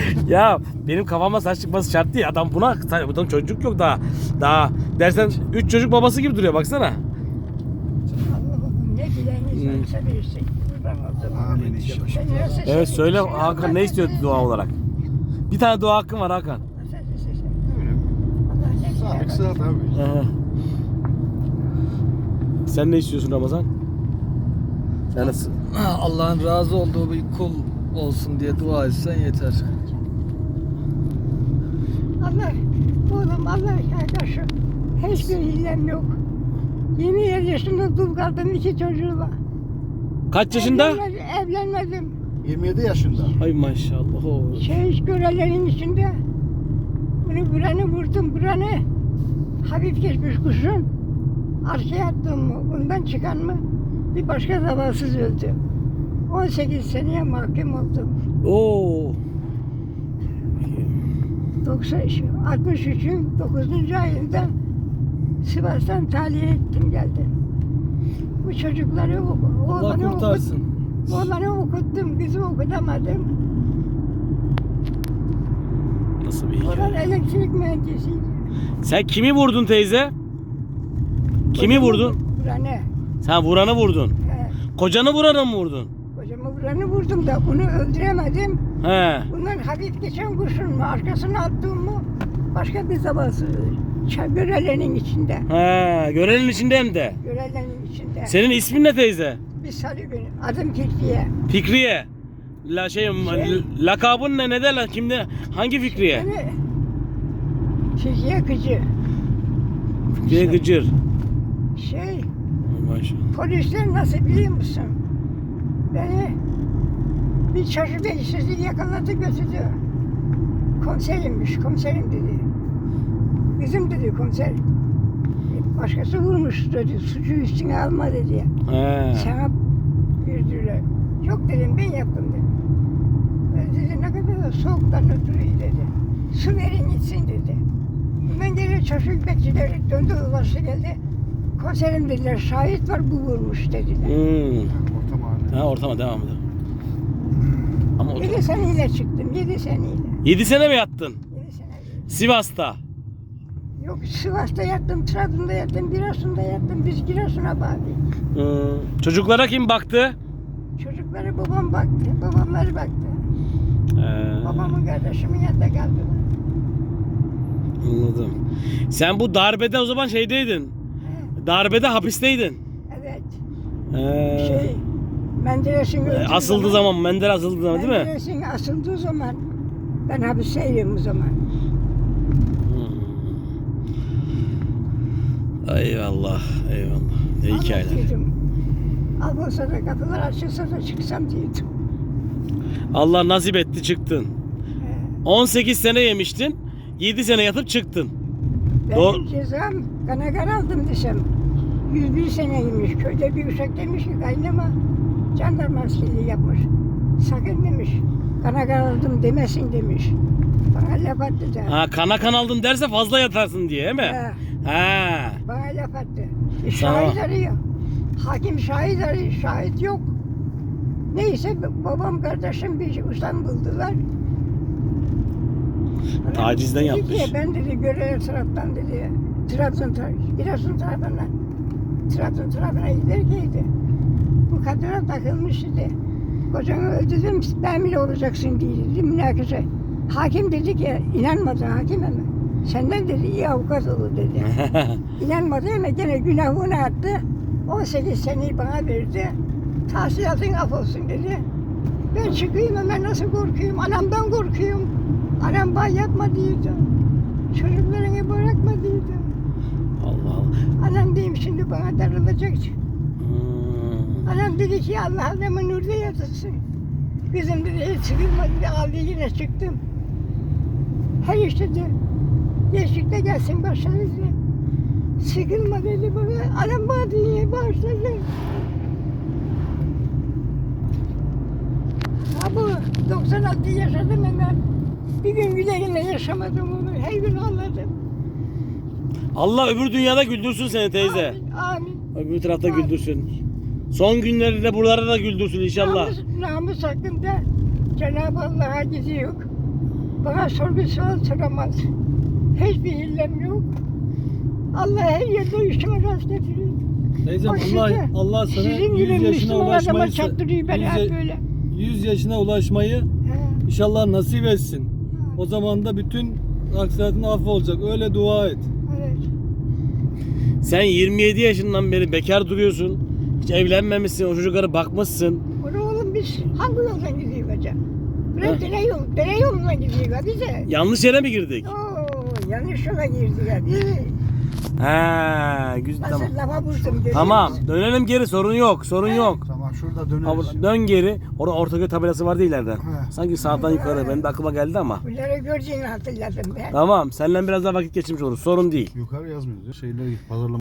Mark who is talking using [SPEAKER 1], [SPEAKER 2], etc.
[SPEAKER 1] Ya benim kafama saç çıkması şart değil. Adam buna, adam çocuk yok daha. Daha dersen 3 çocuk babası gibi duruyor baksana.
[SPEAKER 2] Allah'ım ne dileğiniz varsa verirsin. Kurban olduğum.
[SPEAKER 3] Amin inşallah.
[SPEAKER 2] Sen nasıl
[SPEAKER 1] Evet söyle
[SPEAKER 2] seviyorsun?
[SPEAKER 1] Hakan, ne istiyor dua olarak? Bir tane dua hakkın var Hakan.
[SPEAKER 2] Allah ne
[SPEAKER 3] Sağlık
[SPEAKER 2] güzel.
[SPEAKER 3] sıhhat abi.
[SPEAKER 1] Aha. Sen ne istiyorsun Ramazan? Sen nasıl?
[SPEAKER 4] Allah'ın razı olduğu bir kul olsun diye dua etsen yeter.
[SPEAKER 2] Allah, oğlum Allah kardeşim. Hiçbir hilem yok. 27 yaşında dul kaldım 2 çocuğumla.
[SPEAKER 1] Kaç yaşında?
[SPEAKER 2] Evlenmedim.
[SPEAKER 3] 27 yaşında.
[SPEAKER 1] Ay maşallah. Oo.
[SPEAKER 2] Görelerin içinde. Bunu buranı vurdum, buranı hafif geçmiş kuşun. Arkaya attım mı, bundan çıkan mı bir başka zavasız öldü. 18 seneye mahkum oldum.
[SPEAKER 1] Oo.
[SPEAKER 2] 63'ün 9. ayında Sivas'tan tahliye ettim geldim. Bu çocukları
[SPEAKER 4] Allah kurtarsın.
[SPEAKER 2] oğlanı okuttum, kızı okutamadım.
[SPEAKER 1] Nasıl bir
[SPEAKER 2] Oğlan
[SPEAKER 1] hikaye?
[SPEAKER 2] elektrik mühendisiydi.
[SPEAKER 1] Sen kimi vurdun teyze? Kimi vurdun?
[SPEAKER 2] Buranı.
[SPEAKER 1] Sen vuranı vurdun.
[SPEAKER 2] He,
[SPEAKER 1] Kocanı vuranı mı vurdun?
[SPEAKER 2] kocamı buranı vurdum da bunu öldüremedim.
[SPEAKER 1] He.
[SPEAKER 2] Bundan hafif geçen kurşun mu, arkasına attığım mı başka bir zavası. Görelenin içinde.
[SPEAKER 1] He. Görenin içinde hem de.
[SPEAKER 2] Görelenin içinde.
[SPEAKER 1] Senin ismin ne teyze?
[SPEAKER 2] Bir salı günü. Adım Kirpiye.
[SPEAKER 1] Fikriye. Lakabın ne? Ne derler? Kimde? Hangi Fikriye?
[SPEAKER 2] Beni Kirpiye Kıcı.
[SPEAKER 1] Fikriye Gıcır.
[SPEAKER 2] Şey,
[SPEAKER 1] Ay maşallah.
[SPEAKER 2] polisler nasıl biliyor musun? Beni bir çocuk işsizliği yakaladı götürdü. Komiserimmiş, komiserim dedi. Bizim dedi komiser. Başkası vurmuş dedi, suçu üstüne alma dedi.
[SPEAKER 1] He.
[SPEAKER 2] Sana güldüler. Yok dedim, ben yaptım dedim. Ben dedi, ne kadar da soğuktan ötürü dedi. Su verin gitsin dedi. Ben geri çocuk bekçileri döndü, ulaştı geldi. Komiserim dediler, şahit var bu vurmuş dediler.
[SPEAKER 3] Orta mahalle.
[SPEAKER 1] Ha, ortama devam edelim. Ama
[SPEAKER 2] 7 seneyle çıktım, 7 seneyle.
[SPEAKER 1] 7 sene mi yattın?
[SPEAKER 2] 7 seneyle.
[SPEAKER 1] Sivas'ta.
[SPEAKER 2] Yok Sivas'ta yattım, Trabzon'da yattım, Giresun'da yattım. Biz Giresun'a bağlıyız.
[SPEAKER 1] Çocuklara kim baktı?
[SPEAKER 2] Çocukları babam baktı, babamları baktı. Babamın kardeşimin yanında kaldılar.
[SPEAKER 1] Anladım. Sen bu darbede o zaman şeydeydin.
[SPEAKER 2] He,
[SPEAKER 1] Darbede hapisteydin.
[SPEAKER 2] evet.
[SPEAKER 1] Ee,
[SPEAKER 2] Menderes'in öldüğü
[SPEAKER 1] asıldığı zaman, Mendel asıldığı zaman değil mi?
[SPEAKER 2] Menderes'in asıldığı zaman ben hapisteydim o zaman.
[SPEAKER 1] Eyvallah, eyvallah. Ne hikayeler.
[SPEAKER 2] Anlatıyordum. Albolsa da kapılar açılsa da çıksam diyordum.
[SPEAKER 1] Allah nasip etti çıktın.
[SPEAKER 2] He.
[SPEAKER 1] 18 sene yemiştin. 7 sene yatıp çıktın.
[SPEAKER 2] Benim
[SPEAKER 1] Doğru.
[SPEAKER 2] cezam kanagar aldım desem. 101 seneymiş. Köyde bir uşak demiş ki kaynama jandarma askerliği yapmış. Sakın demiş. Kanagar aldım demesin demiş. Bana laf attı da.
[SPEAKER 1] Ha, kan aldın derse fazla yatarsın diye değil mi?
[SPEAKER 2] He.
[SPEAKER 1] Ha.
[SPEAKER 2] Bana laf attı.
[SPEAKER 1] Tamam.
[SPEAKER 2] Şahit arıyor. Hakim şahit arıyor. Şahit yok. Neyse babam kardeşim bir ustam buldular.
[SPEAKER 1] Tacizden
[SPEAKER 2] Dedi
[SPEAKER 1] yapmış.
[SPEAKER 2] ki, ben dedi görev taraftan dedi. Trabzon tarafından. Trabzon tarafına giderkeydi. Bu kadına takılmış dedi. Kocanı öldürdüm, ben bile olacaksın diye dedi münakaşa. Hakim dedi ki, inanmadı hakim ama. Senden dedi iyi avukat olur dedi. İnanmadı ama gene günahını attı. 18 seneyi bana verdi. Tahsilatın af olsun dedi. Ben çıkayım ama nasıl korkuyum? Anamdan korkuyorum. Anam bana yapma diyordu. Çocuklarını bırakma diyordu.
[SPEAKER 1] Allah Allah.
[SPEAKER 2] Anam diyeyim şimdi bana darılacak.
[SPEAKER 1] Hmm.
[SPEAKER 2] Anam dedi ki Allah adamı nurda yatırsın. Kızım dedi hiç sıkılma dedi aldı yine çıktım. Her işte de geçtikte gelsin başladı dedi. Sıkılma dedi bana. Anam bana diye başladı. Ha bu 96 yaşadım ama bir gün güle güle yaşamadım onu. Her gün ağladım.
[SPEAKER 1] Allah öbür dünyada güldürsün seni teyze.
[SPEAKER 2] Amin.
[SPEAKER 1] Öbür tarafta
[SPEAKER 2] Amin.
[SPEAKER 1] güldürsün. Son günlerinde buralarda da güldürsün inşallah.
[SPEAKER 2] Namus hakkında Cenab-ı Allah'a gidiyor. Bana sorgusu soramaz. Hiçbir hillem yok. Allah her yerde işime rast getiriyor.
[SPEAKER 4] Teyzem
[SPEAKER 2] O
[SPEAKER 4] Allah sana
[SPEAKER 2] sizin
[SPEAKER 4] 100
[SPEAKER 2] gibi
[SPEAKER 4] yaşına
[SPEAKER 2] Müslüman adama
[SPEAKER 4] ulaşmayı
[SPEAKER 2] çattırıyor beni hep böyle.
[SPEAKER 4] 100 yaşına ulaşmayı
[SPEAKER 2] He.
[SPEAKER 4] inşallah nasip etsin. O zaman da bütün aksiratın affı olacak. Öyle dua et.
[SPEAKER 2] Evet.
[SPEAKER 1] Sen 27 yaşından beri bekar duruyorsun. Hiç evlenmemişsin, o çocuklara bakmışsın.
[SPEAKER 2] Bunu oğlum biz hangi yoldan gidiyoruz hocam? Buraya dere yolundan gidiyoruz bize.
[SPEAKER 1] Yanlış yere mi girdik?
[SPEAKER 2] Oo, yanlış yola girdik hadi.
[SPEAKER 1] He, güzel
[SPEAKER 2] Nasıl
[SPEAKER 1] tamam.
[SPEAKER 2] lava vurdum görüyor
[SPEAKER 1] Tamam,
[SPEAKER 2] musun?
[SPEAKER 1] dönelim geri, sorun yok, sorun yok.
[SPEAKER 3] Tamam şurada
[SPEAKER 1] Ha,
[SPEAKER 3] döneriz.
[SPEAKER 1] dön geri. Orada Ortaköy tabelası vardı ileride.
[SPEAKER 3] He.
[SPEAKER 1] Sanki sağdan yukarı. Benim de aklıma geldi ama.
[SPEAKER 2] Bunları göreceğini hatırladım ben.
[SPEAKER 1] Tamam, seninle biraz daha vakit geçirmiş oluruz. Sorun değil.
[SPEAKER 3] Yukarı yazmıyoruz ya. Şeyleri pazarlama.